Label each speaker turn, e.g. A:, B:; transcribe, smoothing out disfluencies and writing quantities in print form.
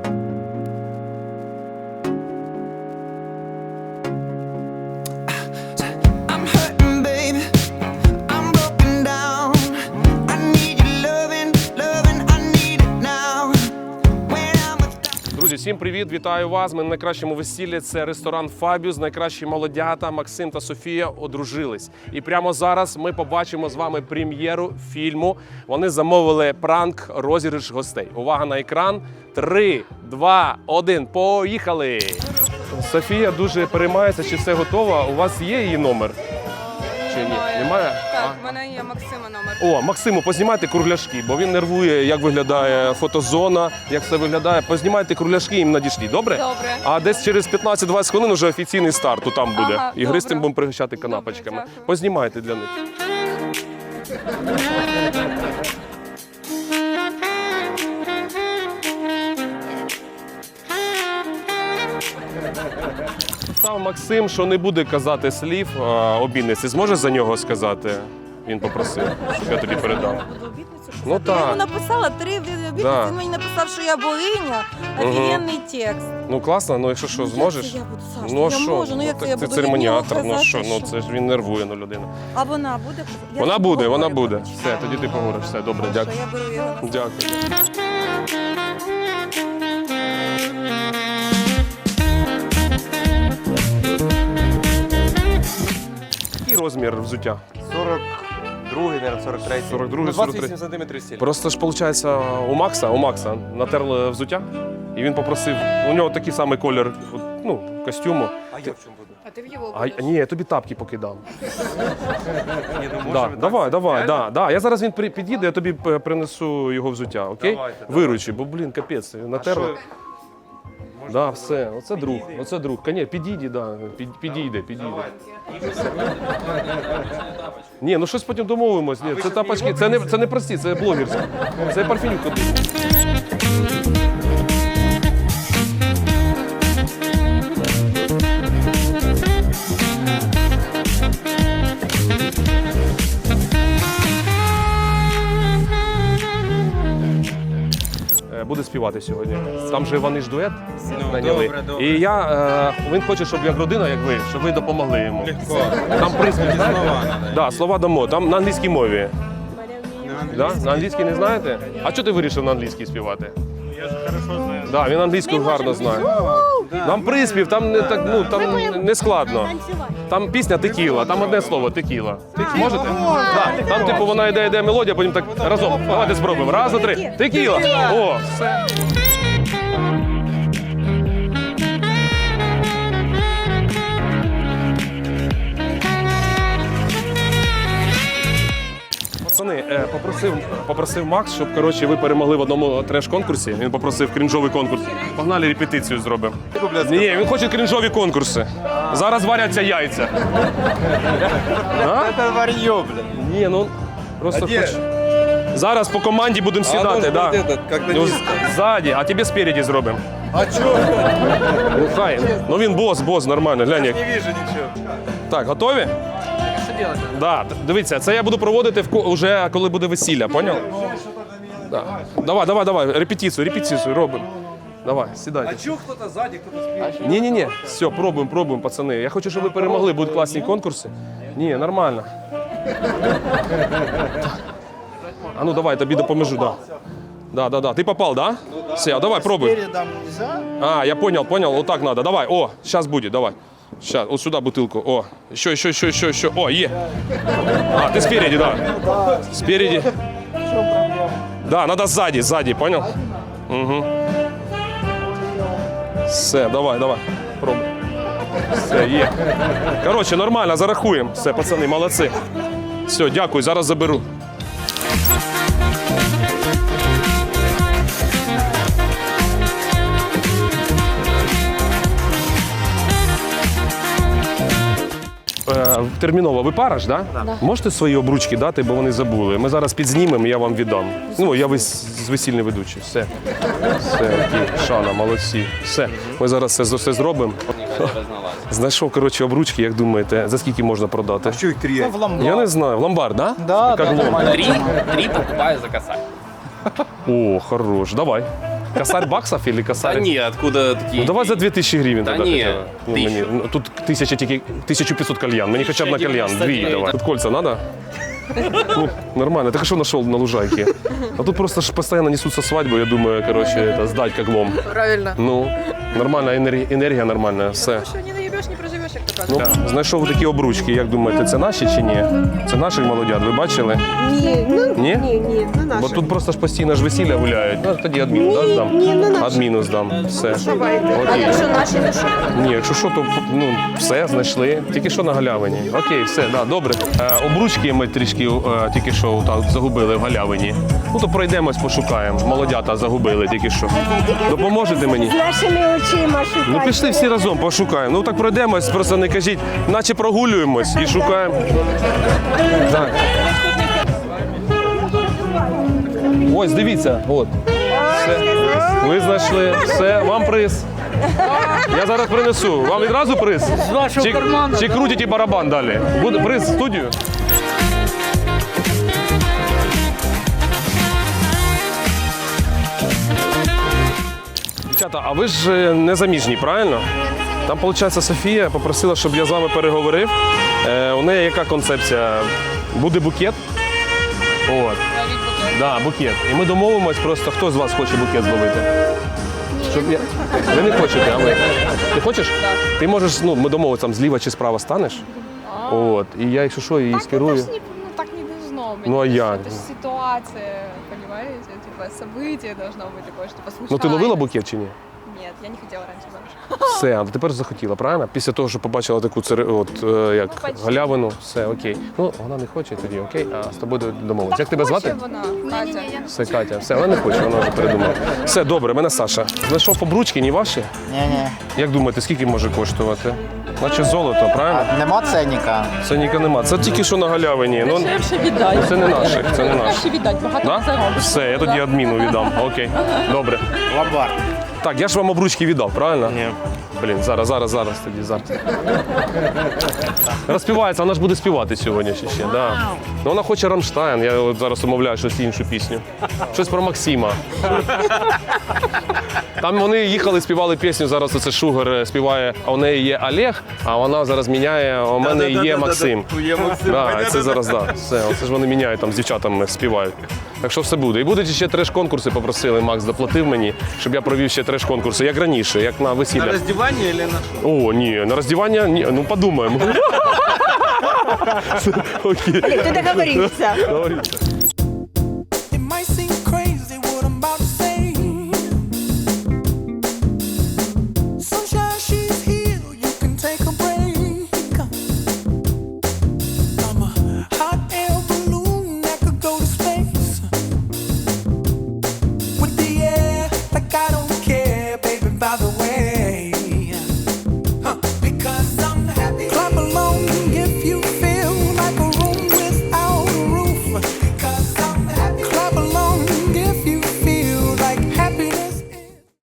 A: I'm hurting, baby. I'm broken down. I need your loving, I need it now. When I'm without.
B: Друзі, всім привіт! Вітаю вас! Ми на найкращому весіллі. Це ресторан «Фабіус». Найкращі молодята Максим та Софія одружились. І прямо зараз ми побачимо з вами прем'єру фільму. Вони замовили пранк, розіграш гостей. Увага на екран. 3, 2, 1. Поїхали! Софія дуже переймається, чи все готово. У вас є її номер? Чи ні? Немає?
C: Так, в мене є Максима номер.
B: О, Максиму, познімайте кругляшки, бо він нервує, як виглядає фотозона, як все виглядає. Познімайте кругляшки, їм надійшли, добре?
C: Добре.
B: А десь через 15-20 хвилин вже офіційний старт, то там буде.
C: Ага,
B: І гристим
C: добре.
B: будемо пригощати канапочками.
C: Добре, дякую.
B: Познімайте для них. Сам Максим, що не буде казати слів обідниці. Зможеш за нього сказати? Він попросив, щоб я тобі передав. Ну
D: Я
B: так.
D: йому написала 3 обітниці,
B: Да.
D: він мені написав, що я богиня, офігенний текст.
B: Ну класно, ну якщо що,
D: Як
B: зможеш?
D: це я буду, Саш?
B: Ну
D: Я
B: що?
D: можу, ну як це я
B: ти
D: буду
B: церемоніатор,
D: від нього
B: ну що,
D: казати,
B: ну це ж він нервує, ну людина.
D: А вона буде? Я
B: Вона
D: ж
B: буде, вона
D: поговорю,
B: буде.
D: коротше.
B: Все, тоді ти поговориш. Все, добре,
D: Хорошо,
B: дякую.
D: я беру його.
B: Дякую. Який розмір взуття?
E: 42-й, наверное, 43-й.
B: 42-й,
E: 28 сантиметрів стіль.
B: Просто ж, виходить, у Макса натерли взуття, і він попросив, у нього такий самий колір, ну, костюму.
E: А я в чому буду?
C: А ти в його
B: А ні, я тобі тапки покидав.
E: Ні, ну
B: Да,
E: може
B: давай, да. Я зараз він під'їде, я тобі принесу його взуття, окей?
E: Давайте,
B: Виручи, бо, блін, капець, натерли. Да, все, оце друг. Конечно, підійде, да, підійде. Ні, ну щось потім домовимось. Ні, це тапочки, це не прості, це блогерські. Це парфюм ходить. Буде співати сьогодні. Там же вони ж дует наняли.
E: добре.
B: І він хоче, щоб як родина, як ви, щоб ви допомогли йому.
E: Легко.
B: Там приспів, знаєте?
E: Слова надо.
B: Да, слова дамо. Там на англійській мові. Да? На англійській не знаєте? А чого ти вирішив на англійській співати? Я ж хорошо знаю. Да, він англійську гарно знає. Там приспів, там не так, ну там не складно. Там пісня текіла, там одне слово текіла. Можете? Да. Там, типу, вона йде мелодія, потім так разом. Давайте спробуємо. Раз, два, три. Текіла. О, все. Пацани, попросив Макс, щоб коротше, ви перемогли в одному треш-конкурсі. Він попросив крінжовий конкурс. Погнали репетицію зробимо. Ні, він хоче крінжові конкурси. Зараз варяться яйця.
E: Це вар'йо, блін.
B: Ні, ну просто
E: де?
B: хоч. Зараз по команді будемо сідати, да. Ну, ззаді, а тебе спереді зробимо.
E: А чого?
B: Ну хай. Ну він бос, нормально. Глянь як.
E: Не вижу нічого.
B: Так, готові? Що робити? Да, дивіться, це я буду проводити вже коли буде весілля, поняв? Да. Давай, репетицію робимо. Давай, сідайте.
E: А чого хто-то ззаді, хто-то спів?
B: Ні, все, пробуємо, пацани. Я хочу, щоб ви перемогли, будуть класні конкурси. Ні, нормально. А ну давай, тобі допоможу, да. Ти попав, да? Все, давай, пробуй. А, я понял, вот так надо. Давай, о, сейчас будет, давай. Сейчас, вот сюда бутылку. О, еще. О, е. А, ты спереди, да. Спереди. Да, надо сзади, понял? Угу. Все, давай, пробуй. Все, є. Короче, нормально, зарахуємо. Все, пацани, молодці. Все, дякую, зараз заберу. Терміново, ви пара ж, да? Да. Можете свої обручки дати, бо вони забули. Ми зараз підзнімемо, я вам віддам. Ну, я з весільний ведучий. Все, окей, Шана, молодці. Все, ми зараз це все зробимо. Знайшов, коротше, обручки, як думаєте, за скільки можна продати?
E: А що їх три?
B: Я не знаю, в ломбард, да?
F: Да,
B: Як лом?
F: Три покупаю за косарь.
B: О, хорош, давай. Косарь баксов или косарь?
F: Да не, откуда такие?
B: Ну давай за 2000 гривень
F: Да
B: тогда
F: ні,
B: хотя бы. Ну,
F: 1000.
B: мені, ну, тут 1000 тільки, 1500 кальян. Мені хоча б на кальян, 2
F: 1099,
B: давай.
F: да.
B: Тут кольца надо? Ну, нормально. Так а что нашел на лужайке? А тут просто ж постоянно несутся свадьбу, я думаю, короче, это сдать как лом.
C: Правильно.
B: Ну, нормальна енергія нормальна, все.
C: Що не наїбеш, не проживеш, як то кажуть.
B: Ну, знайшов такі обручки, як думаєте, це наші чи ні? Це наших молодят, ви бачили?
G: Ні, ну,
B: Ні?
G: ні, не
B: Бо
G: наші.
B: тут просто ж постійно ж весілля гуляють. Ну, тоді адміну, да, здам?
G: ні, не наші.
B: Адміну здам, все.
G: Давайте.
B: Окей.
C: наші, то що?
B: Ні, якщо що, то ну, все, знайшли. Тільки що на галявині. Окей, все, да, добре. Обручки ми трішки тільки що так, загубили в галявині. Ну, то пройдемось, пошукаємо. Молодята загубили тільки що. Допоможете мені?
G: З нашими очима шукати.
B: Ну пішли всі разом, пошукаємо. Ну так пройдемось, просто не кажіть, наче прогулюємось і шукаємо. Так. Ось, дивіться, от. Все. Ви знайшли. Все, вам приз. Я зараз принесу. Вам відразу приз? З вашого карману. Чи крутите барабан далі? Буде приз в студію? Дівчата, а ви ж не заміжні, правильно? Там, виходить, Софія попросила, щоб я з вами переговорив. У неї яка концепція? Буде букет? От. Да, букет. І ми домовимось просто, хто з вас хоче букет зловити? Щоб я... Ви не хочете, а ви? Ти хочеш? Так. Ти можеш, ну, ми домовимося, там зліва чи справа станеш. От. І я, якщо що, її скерую.
C: Ну так не должно быть.
B: Ну, а як?
C: Это же ситуация, понимаете? Типа событие должно быть такое, что случайно.
B: Ну ти ловила букет чи ні?
C: Нет, я не хотела раньше замуж.
B: Все, а тепер захотіла, правильно? Після того, що побачила таку як
C: почти.
B: галявину, все, окей. Ну, вона не хоче тоді, окей, а з тобою домовились. Як тебе звати?
C: Вона, Катя.
B: Все, Катя, все, вона не хоче, вона вже передумала. Все, добре, мене Саша. Знайшов обручки, не ваші?
H: Ні-ні.
B: Як думаєте, скільки може коштувати? Наче золото, правильно?
H: Нема ценника.
B: Це ніка нема. Це тільки що на галявині. Ну,
I: віддай.
B: це не наших, це не наших.
I: віддати, багато
B: Да? Все, я тоді адміну віддам. Окей, добре.
H: Ломбард.
B: Так, я ж вам обручки віддав, правильно? Ні. Блін, зараз тоді, зараз. Розпівається, вона ж буде співати сьогодні ще, да. Ну, вона хоче Рамштайн, я от зараз умовляю щось іншу пісню. Щось про Максима. Там вони їхали, співали пісню, зараз оце Шугар співає, а у неї є Олег, а вона зараз міняє, а у мене є Максим.
E: Є Максим.
B: Да, це зараз, да. Все, оце ж вони міняють, там з дівчатами співають. Так що все буде. І будуть ще треш-конкурси, попросили, Макс доплатив мені, щоб я провів ще треш-конкурси, як раніше, як на
E: На
B: весіллях.
E: роздівання или на
B: О, ні, на роздівання, ні, ну подумаємо. Окей.
G: Ти договорився.
B: Договорився.